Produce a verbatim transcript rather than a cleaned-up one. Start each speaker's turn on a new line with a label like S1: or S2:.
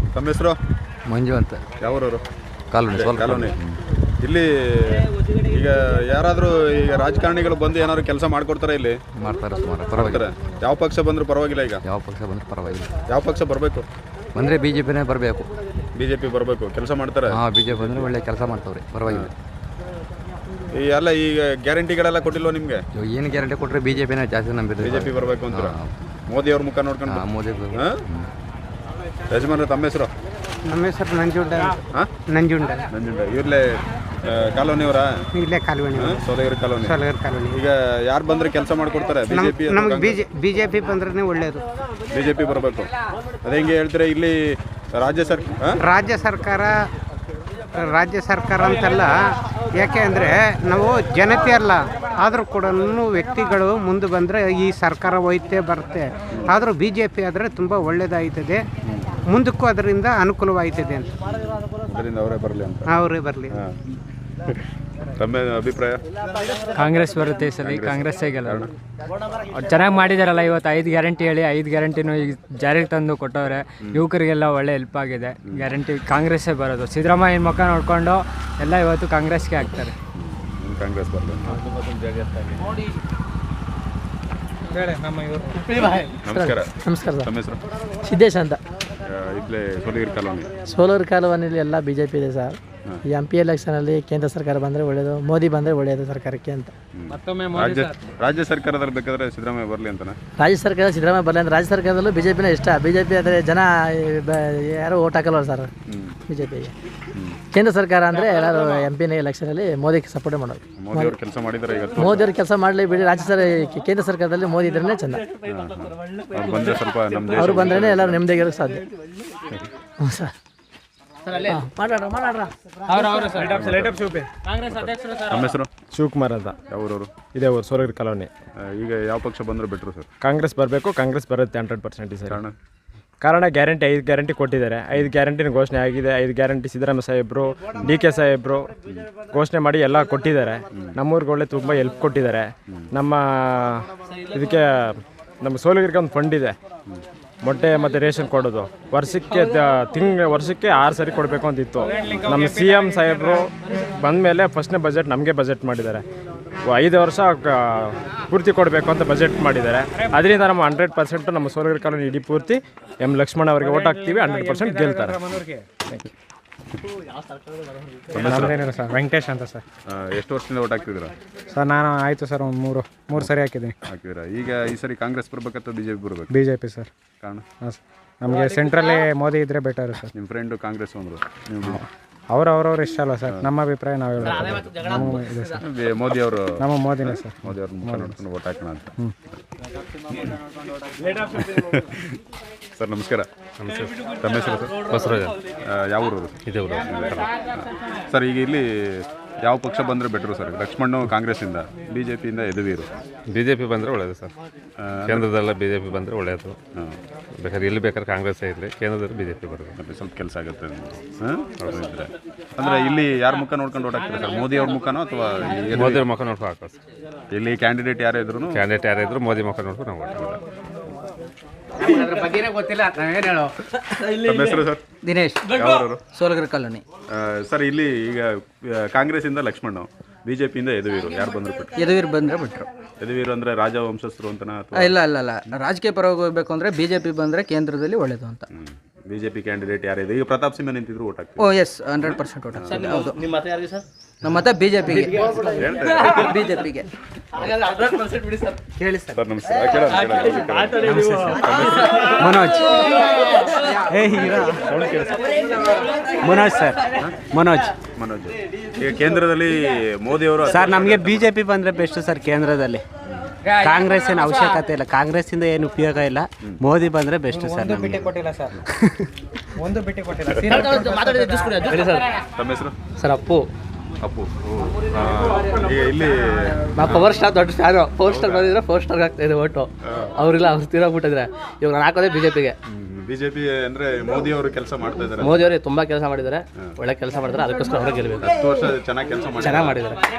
S1: ತಮ್ಮ ಹೆಸರು?
S2: ಮಂಜು ಅಂತ.
S1: ಯಾವೂರವರು?
S2: ಕಾಲೋನಿ.
S1: ಕಾಲೋನಿ. ಇಲ್ಲಿ ಈಗ ಯಾರಾದರೂ ಈಗ ರಾಜಕಾರಣಿಗಳು ಬಂದು ಏನಾದ್ರು ಕೆಲಸ ಮಾಡ್ಕೊಡ್ತಾರೆ ಇಲ್ಲಿ?
S2: ಮಾಡ್ತಾರೆ ಸುಮಾರು. ಪರವಾಗಿಲ್ಲ.
S1: ಯಾವ ಪಕ್ಷ ಬಂದರೂ ಪರವಾಗಿಲ್ಲ. ಈಗ
S2: ಯಾವ ಪಕ್ಷ ಬಂದರೂ ಪರವಾಗಿಲ್ಲ.
S1: ಯಾವ ಪಕ್ಷ ಬರಬೇಕು?
S2: ಬಂದರೆ ಬಿ ಜೆ ಪಿನೇ ಬರಬೇಕು.
S1: ಬಿ ಜೆ ಪಿ ಬರಬೇಕು. ಕೆಲಸ ಮಾಡ್ತಾರೆ?
S2: ಹಾಂ, ಬಿ ಜೆ ಪಿ ಬಂದರೆ ಒಳ್ಳೆ ಕೆಲಸ ಮಾಡ್ತಾವ್ರಿ. ಪರವಾಗಿಲ್ಲ.
S1: ಈ ಎಲ್ಲ ಈಗ ಗ್ಯಾರಂಟಿಗಳೆಲ್ಲ ಕೊಟ್ಟಿಲ್ವ ನಿಮಗೆ?
S2: ಏನು ಗ್ಯಾರಂಟಿ ಕೊಟ್ಟರೆ ಬಿ ಜೆ ಪಿನೇ ಜಾಸ್ತಿ ನಂಬಿದ್ರು.
S1: ಬಿ ಜೆ ಪಿ ಬರಬೇಕು ಅಂತೀರಾ? ಮೋದಿ ಅವ್ರ ಮುಖ ನೋಡ್ಕೊಂಡು?
S2: ಹಾಂ, ಮೋದಿ.
S1: ಯಜಮಾನ್ರೆ ತಮ್ಮ ಹೆಸರು?
S3: ನಮ್ಮ ಹೆಸರು ನಂಜುಂಡ.
S1: ಹಾಂ,
S3: ನಂಜುಂಡ.
S1: ನಂಜುಂಡ. ಇವ್ರಲ್ಲೇ ಕಾಲೋನಿಯವರಾ?
S3: ಇಲ್ಲೇ colony.
S1: Solagiri colony.
S3: Solagiri colony.
S1: ಈಗ ಯಾರು ಬಂದರೆ ಕೆಲಸ ಮಾಡಿಕೊಡ್ತಾರೆ? ಬಿಜೆಪಿ?
S3: ನಮ್ಗೆ ಬಿಜೆ ಬಿ ಜೆ ಪಿ ಬಂದ್ರೆ ಒಳ್ಳೆಯದು.
S1: ಬಿ ಜೆ ಪಿ ಬರಬೇಕು. ಅದೇ ಹೆಂಗೆ ಹೇಳ್ತೀರಾ? ಇಲ್ಲಿ ರಾಜ್ಯ ಸರ್ಕಾರ
S3: ರಾಜ್ಯ ಸರ್ಕಾರ ರಾಜ್ಯ ಸರ್ಕಾರ ಅಂತಲ್ಲ, ಯಾಕೆ ಅಂದರೆ ನಾವು ಜನತೆ ಅಲ್ಲ, ಆದರೂ ಕೂಡ ವ್ಯಕ್ತಿಗಳು ಮುಂದೆ ಬಂದರೆ ಈ ಸರ್ಕಾರ ಹೋಯ್ತೆ ಬರುತ್ತೆ. ಆದರೂ ಬಿ ಜೆ ಪಿ ಆದರೆ ತುಂಬ ಒಳ್ಳೆಯದಾಯ್ತದೆ, ಮುಂದಕ್ಕೂ ಅದರಿಂದ ಅನುಕೂಲವಾಯ್ತದೆ ಅಂತ.
S1: ಅದರಿಂದ ಅವರೇ ಬರಲಿ ಅಂತ.
S3: ಅವರೇ ಬರಲಿ.
S1: ತಮ್ಮ ಅಭಿಪ್ರಾಯ?
S4: ಕಾಂಗ್ರೆಸ್ ಬರುತ್ತೆ ಈ ಸಲ. ಕಾಂಗ್ರೆಸ್ಸೇ ಗೆಲ್ಲ. ಚೆನ್ನಾಗಿ ಮಾಡಿದಾರಲ್ಲ ಇವತ್ತು. ಐದು ಗ್ಯಾರಂಟಿ ಹೇಳಿ ಐದು ಗ್ಯಾರಂಟಿನೂ ಈಗ ಜಾರಿಗೆ ತಂದು ಕೊಟ್ಟವ್ರೆ. ಯುವಕರಿಗೆಲ್ಲ ಒಳ್ಳೆ ಹೆಲ್ಪ್ ಆಗಿದೆ. ಗ್ಯಾರಂಟಿ ಕಾಂಗ್ರೆಸ್ಸೇ ಬರೋದು. ಸಿದ್ದರಾಮಯ್ಯನ ಮುಖ ನೋಡಿಕೊಂಡು ಎಲ್ಲ ಇವತ್ತು ಕಾಂಗ್ರೆಸ್ಗೆ ಹಾಕ್ತಾರೆ.
S1: ಕಾಂಗ್ರೆಸ್ ಬರಲಿ. ನಮಸ್ಕಾರ.
S5: ನಮಸ್ಕಾರ ಸರ್.
S1: ತಮ್ಮ ಹೆಸರು?
S5: ಸಿದ್ದೇಶ್ ಅಂತ.
S1: ಇಲ್ಲೇ ಸೋಲಗಿರಿ ಕಾಲೋನಿ.
S5: ಸೋಲೂರು ಕಾಲೋನಿಯಲ್ಲಿ ಎಲ್ಲ ಬಿ ಜೆ ಪಿ ಇದೆ ಸರ್. ಈ ಎಂ ಪಿ ಎಲೆಕ್ಷನಲ್ಲಿ ಕೇಂದ್ರ ಸರ್ಕಾರ ಬಂದರೆ ಒಳ್ಳೆಯದು, ಮೋದಿ ಬಂದರೆ ಒಳ್ಳೆಯದು ಸರ್ಕಾರಕ್ಕೆ ಅಂತ.
S1: ರಾಜ್ಯ ರಾಜ್ಯ ಸರ್ಕಾರದಲ್ಲಿ ಬೇಕಾದ್ರೆ ಸಿದ್ದರಾಮಯ್ಯ ಬರಲಿ ಅಂತಾನೆ.
S5: ರಾಜ್ಯ ಸರ್ಕಾರ ಸಿದ್ದರಾಮಯ್ಯ ಬರಲಿ ಅಂದ್ರೆ ರಾಜ್ಯ ಸರ್ಕಾರದಲ್ಲೂ ಬಿ ಜೆ ಪಿನೇ ಇಷ್ಟ. ಬಿ ಜೆ ಪಿ ಆದರೆ ಜನ ಯಾರು ಓಟ್ ಹಾಕಲ್ವ ಸರ್ ಬಿ ಜೆ ಪಿಗೆ. ಕೇಂದ್ರ ಸರ್ಕಾರ ಅಂದರೆ ಎಲ್ಲರೂ ಎಂ ಪಿನೇ ಎಲೆಕ್ಷನಲ್ಲಿ ಮೋದಿಗೆ ಸಪೋರ್ಟ್ ಮಾಡೋದು.
S1: ಮೋದಿ ಅವರು ಕೆಲಸ ಮಾಡಿದ್ದಾರೆ ಈಗ.
S5: ಮೋದಿ ಅವ್ರು ಕೆಲಸ ಮಾಡಲಿ ಬಿಡಿ. ರಾಜ್ಯ ಸರ್ ಕೇಂದ್ರ ಸರ್ಕಾರದಲ್ಲಿ ಮೋದಿ ಇದ್ರೇ ಚೆಂದ.
S1: ಬಂದರೆ ಸ್ವಲ್ಪ ನಮ್ಮ
S5: ಅವರು ಬಂದ್ರೇ ಎಲ್ಲರೂ ನೆಮ್ಮದಿಯಾಗಿರೋಕ್ಕೆ ಸಾಧ್ಯ. ಹ್ಞೂ ಸರ್.
S1: ನಮ್ಮ ಹೆಸರು?
S6: ಶಿವಕುಮಾರ್ ಅಂತ.
S1: ಯಾವೂರವರು?
S6: ಇದೇ ಊರು ಸೋಲಗಿರಿ ಕಾಲೋನಿ.
S1: ಈಗ ಯಾವ ಪಕ್ಷ ಬಂದರೂ ಬೆಟ್ರು ಸರ್?
S6: ಕಾಂಗ್ರೆಸ್ ಬರಬೇಕು. ಕಾಂಗ್ರೆಸ್ ಬರುತ್ತೆ ಹಂಡ್ರೆಡ್ ಪರ್ಸೆಂಟ್ ಸರ್.
S1: ಕಾರಣ?
S6: ಕಾರಣ ಗ್ಯಾರಂಟಿ ಐದು ಗ್ಯಾರಂಟಿ ಕೊಟ್ಟಿದ್ದಾರೆ. ಐದು ಗ್ಯಾರಂಟಿನ ಘೋಷಣೆ ಆಗಿದೆ. ಐದು ಗ್ಯಾರಂಟಿ ಸಿದ್ದರಾಮಯ್ಯ ಸಾಹೇಬರು, ಡಿ ಕೆ ಸಾಹೇಬರು ಘೋಷಣೆ ಮಾಡಿ ಎಲ್ಲ ಕೊಟ್ಟಿದ್ದಾರೆ. ನಮ್ಮೂರಿಗೆ ಒಳ್ಳೆ ತುಂಬ ಹೆಲ್ಪ್ ಕೊಟ್ಟಿದ್ದಾರೆ. ನಮ್ಮ ಇದಕ್ಕೆ ನಮ್ಮ ಸೋಲಗಿರಿಗೆ ಒಂದು ಫಂಡ್ ಇದೆ, ಮೊಟ್ಟೆ ಮತ್ತು ರೇಷನ್ ಕೊಡೋದು. ವರ್ಷಕ್ಕೆ ತಿಂಗ್ ವರ್ಷಕ್ಕೆ ಆರು ಸರಿ ಕೊಡಬೇಕು ಅಂತಿತ್ತು. ನಮ್ಮ ಸಿ ಎಮ್ ಸಾಹೇಬರು ಬಂದ ಮೇಲೆ ಫಸ್ಟ್ನೇ ಬಜೆಟ್ ನಮಗೆ ಬಜೆಟ್ ಮಾಡಿದ್ದಾರೆ. ಐದು ವರ್ಷ ಪೂರ್ತಿ ಕೊಡಬೇಕು ಅಂತ ಬಜೆಟ್ ಮಾಡಿದ್ದಾರೆ. ಅದರಿಂದ ನಮ್ಮ ಹಂಡ್ರೆಡ್ ಪರ್ಸೆಂಟು ನಮ್ಮ ಸೋಲಗಿರಿ ಕಾಲೋನಿ ಇಡೀ ಪೂರ್ತಿ ಎಮ್ ಲಕ್ಷ್ಮಣ ಅವರಿಗೆ ಓಟ್ ಹಾಕ್ತೀವಿ. ಹಂಡ್ರೆಡ್ ಪರ್ಸೆಂಟ್ ಗೆಲ್ತಾರೆ.
S4: ಸರ್ ವೆಂಕಟೇಶ್ ಅಂತ ಸರ್.
S1: ಎಷ್ಟು ವರ್ಷದಿಂದ ಓಟ್ ಹಾಕ್ತಿದ್ದೀರಾ
S4: ಸರ್? ನಾನು ಆಯಿತು ಸರ್ ಒಂದು ಮೂರು ಮೂರು ಸರಿ ಹಾಕಿದ್ದೀನಿ.
S1: ಹಾಕಿದ್ದೀರಾ? ಈಗ ಈ ಸರಿ ಕಾಂಗ್ರೆಸ್ ಬರ್ಬೇಕಂತ ಬಿ ಜೆ ಪಿ ಬರಬೇಕು?
S4: B J P sir.
S1: ಕಾರಣ?
S4: ಹಾಂ ಸರ್, ನಮಗೆ ಸೆಂಟ್ರಲ್ಲಿ ಮೋದಿ ಇದ್ದರೆ ಬೆಟರ್ ಸರ್.
S1: ನಿಮ್ಮ ಫ್ರೆಂಡು ಕಾಂಗ್ರೆಸ್ ಅಂದರು, ನೀವು?
S4: ಅವ್ರು ಅವ್ರವ್ರು ಇಷ್ಟ ಅಲ್ಲ ಸರ್. ನಮ್ಮ ಅಭಿಪ್ರಾಯ ನಾವು ಹೇಳ್ಬೇಕು. ನಮ್ಮ ಇದೆ ಸರ್.
S1: ಮೋದಿ ಅವರು?
S4: ನಮ್ಮ ಮೋದಿನೇ ಸರ್.
S1: ಮೋದಿ ಅವ್ರ ಮುಖ ನೋಡ್ಕೊಂಡು ಓಟ್ ಹಾಕೋಣ ಅಂತ. ಸರ್ ನಮಸ್ಕಾರ. ತಮ್ಮ ಹೆಸರು ಸರ್?
S7: ಬಸವರಾಜ.
S1: ಯಾವ ಊರು?
S7: ಇದೇ ಊರು.
S1: ಸರ್ ಈಗ ಇಲ್ಲಿ ಯಾವ ಪಕ್ಷ ಬಂದರೆ ಬೆಟ್ರು ಸರ್? ಲಕ್ಷ್ಮಣ್ಣು ಕಾಂಗ್ರೆಸ್ಸಿಂದ, ಬಿ ಜೆ ಪಿಯಿಂದ ಯದುವೀರು.
S7: ಬಿ ಜೆ ಪಿ ಬಂದರೆ ಒಳ್ಳೆಯದು ಸರ್. ಕೇಂದ್ರದಲ್ಲ ಬಿ ಜೆ ಪಿ ಬಂದರೆ ಒಳ್ಳೆಯದು. ಬೇಕಾದ್ರೆ ಇಲ್ಲಿ ಬೇಕಾದ್ರೆ ಕಾಂಗ್ರೆಸ್ಸೇ ಇರಲಿ, ಕೇಂದ್ರದಲ್ಲಿ ಬಿ ಜೆ ಪಿ ಬರೋದು.
S1: ಮತ್ತೆ ಸ್ವಲ್ಪ ಕೆಲಸ ಆಗುತ್ತೆ ಹಾಂ ಇದ್ದರೆ. ಅಂದರೆ ಇಲ್ಲಿ ಯಾರ ಮುಖ ನೋಡ್ಕೊಂಡು ಓಟ್ ಹಾಕ್ತಾರೆ ಸರ್? ಮೋದಿ ಅವ್ರ ಮುಖನೋ ಅಥವಾ
S7: ಮೋದಿ ಅವ್ರ ಮುಖ ನೋಡ್ಕೊಂಡು ಹಾಕೋದು ಸರ್.
S1: ಇಲ್ಲಿ ಕ್ಯಾಂಡಿಡೇಟ್ ಯಾರೇ ಇದ್ರು
S7: ಕ್ಯಾಂಡಿಡೇಟ್ ಯಾರೇ ಇದ್ರು ಮೋದಿ ಮುಖ ನೋಡ್ಕೊಂಡು ನಾವು ಓಟ್ ಮಾಡೋದು.
S3: ಗೊತ್ತಿಲ್ಲ, ನಾವೇನು ಹೇಳೋ.
S1: ತಮ್ಮ ಹೆಸರು ಸರ್?
S5: ದಿನೇಶ್.
S1: ಯಾವೂರವರು?
S5: ಸೋಲಗಿರಿ ಕಾಲೋನಿ.
S1: ಸರ್ ಇಲ್ಲಿ ಈಗ ಕಾಂಗ್ರೆಸ್ಸಿಂದ ಲಕ್ಷ್ಮಣ್ಣು, ಬಿ ಜೆ ಪಿಯಿಂದ ಯದುವೀರು, ಯಾರು ಬಂದರು ಬಿಟ್ಟರು?
S5: ಯದುವೀರ್ ಬಂದರೆ ಬಿಟ್ಟರು.
S1: ಯದುವೀರು ಅಂದರೆ ರಾಜವಂಶಸ್ಥರು ಅಂತನಾ ಅಥವಾ?
S5: ಇಲ್ಲ ಇಲ್ಲ ಇಲ್ಲ ರಾಜಕೀಯ ಪರವಾಗಿ ಹೋಗಬೇಕು ಅಂದರೆ ಬಿ ಜೆ ಪಿ ಬಂದರೆ ಕೇಂದ್ರದಲ್ಲಿ ಒಳ್ಳೆಯದು ಅಂತ.
S1: ಬಿ ಜೆ ಪಿ ಕ್ಯಾಂಡಿಡೇಟ್ ಯಾರಿದೆ? ಈಗ ಪ್ರತಾಪ್ ಸಿಂಹ ನಿಂತಿದ್ರು ಓಟ್ ಹಾಕ್ತೀವಿ.
S5: Oh yes, hundred percent vote ಹಾಕ್ತೀವಿ. ಹೌದು. ನಿಮ್ಮ ಮತ ಯಾರಿಗೆ ಸರ್? ನಮ್ಮ ಮತ ಬಿ ಜೆ ಪಿಗೆ. ಬಿ ಜೆ ಪಿಗೆ ಕೇಳಿ ಸರ್.
S1: ಸರ್ ನಮಸ್ಕಾರ.
S4: ಮನೋಜ್. ಏ ಹೀರಾ. ಮನೋಜ್ ಸರ್. ಮನೋಜ್.
S1: ಮನೋಜ್. ಈಗ ಕೇಂದ್ರದಲ್ಲಿ ಮೋದಿ ಅವರು
S4: ಸರ್, ನಮಗೆ ಬಿ ಜೆ ಪಿ ಬಂದರೆ ಬೆಸ್ಟ್ ಸರ್. ಕೇಂದ್ರದಲ್ಲಿ ಕಾಂಗ್ರೆಸ್ ಏನು ಅವಶ್ಯಕತೆ ಇಲ್ಲ. ಕಾಂಗ್ರೆಸ್ಸಿಂದ ಏನು ಉಪಯೋಗ ಇಲ್ಲ. ಮೋದಿ ಬಂದರೆ ಬೆಸ್ಟ್ ಸರ್.
S3: ಕೊಟ್ಟಿಲ್ಲ ಸರ್. ಒಂದು ಭೇಟಿ ಕೊಟ್ಟಿಲ್ಲ.
S1: ತಮ್ಮ ಹೆಸರು?
S5: ಸರ್ ಅಪ್ಪು.
S1: ಅಪ್ಪು. ಈಗ ಇಲ್ಲಿ
S5: ಪವರ್ ಸ್ಟಾರ್ ದೊಡ್ಡ ಸ್ಟಾರ್. ಫೋರ್ ಸ್ಟಾರ್ ಬಂದಿದ್ರೆ ಫೋರ್ ಸ್ಟಾರ್ಗೆ ಆಗ್ತಾ ಇದೆ ಓಟು. ಅವರಿಲ್ಲ, ಅವ್ರು ತೀರೋಗ್ಬಿಟ್ಟಿದ್ರೆ. ಇವಾಗ ನಾನು ಹಾಕೋದೇ ಬಿ ಜೆ ಪಿಗೆ.
S1: ಬಿಜೆಪಿ ಅಂದ್ರೆ ಮೋದಿ ಅವರು ಕೆಲಸ ಮಾಡ್ತಾ ಇದ್ದಾರೆ.
S5: ಮೋದಿ ಅವರು ತುಂಬಾ ಕೆಲಸ ಮಾಡಿದ್ದಾರೆ, ಒಳ್ಳೆ ಕೆಲಸ ಮಾಡಿದ್ದಾರೆ. ಅದಕ್ಕೋಸ್ಕರ ಅವ್ರಿಗೆ ಗೆಲ್ಲಬೇಕು.
S1: ಹತ್ತು ವರ್ಷ ಚೆನ್ನಾಗಿ ಕೆಲಸ
S5: ಚೆನ್ನಾಗಿ ಮಾಡಿದ್ದಾರೆ.